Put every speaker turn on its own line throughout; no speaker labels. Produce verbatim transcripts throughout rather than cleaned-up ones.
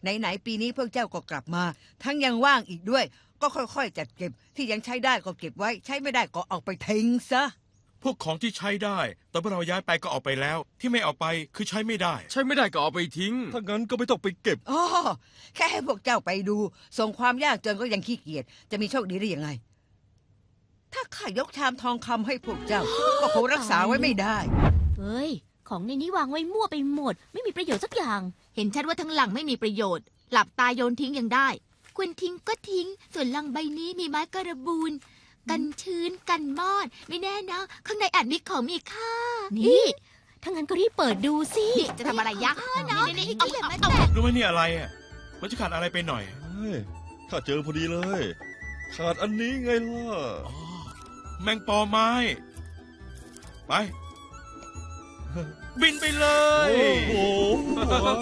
ไหนๆปีนี้พวกเจ้าก็กลับมา ทั้งยังว่างอีกด้วย ก็ค่อยๆจัดเก็บที่ยังใช้ได้ก็เก็บไว้ ใช้ไม่ได้ก็เอาไปทิ้งซะ
พวกของที่ใช้ได้ตอนพวกเราย้ายไปก็เอาไปแล้ว ที่ไม่เอาไปคือใช้ไม่ได้
ใช้ไม่ได้ก็เอาไปทิ้งถ้างั้นก็ไม่ต้องไปเก็บ
อ๋อแค่ให้พวกเจ้าไปดูส่งความยากจนก็ยังขี้เกียจจะมีโชคดีได้ยังไงถ้าข้ายกชามทองคำให้พวกเจ้าก็คงรักษาไว้ไม่ได้
เฮ้ยของในนี้วางไว้มั่วไปหมดไม่มีประโยชน์สักอย่างเห็นชัดว่าทั้งหลังไม่มีประโยชน์หลับตาโยนทิ้งยังได้ควรทิ้งก็ทิ้งส่วนลังใบนี้มีไม้กระบูนกันชื้นกันมอดไม่แน่นะข้างในอาจมีของมีค่านี่ถ้างั้นก็รีบเปิดดูสิจะทำอะไรยักษ์เนาะนี่ๆเอาแบบมาแตะ
รู้ไหมนี่อะไรอ่ะมันจะขาดอะไรไปหน่อย
เฮ้ยข้าเจอพอดีเลย ขาดอันนี้ไงล่ะ
อ๋อแมงปอไม้ ไป บินไปเลย
โอ้โห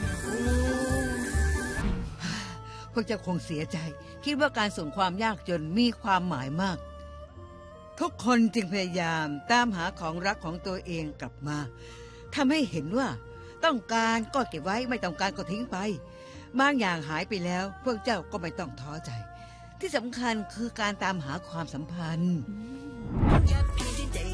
พวกเจ้าคงเสียใจคิดว่าการส่งความยากจนมีความหมายมาก ทุกคนจึงพยายามตามหาของรักของตัวเองกลับมาทำให้เห็นว่าต้องการก็เก็บไว้ไม่ต้องการก็ทิ้งไปบางอย่างหายไปแล้วพวกเจ้าก็ไม่ต้องท้อใจ ที่สำคัญคือการตามหาความสัมพันธ์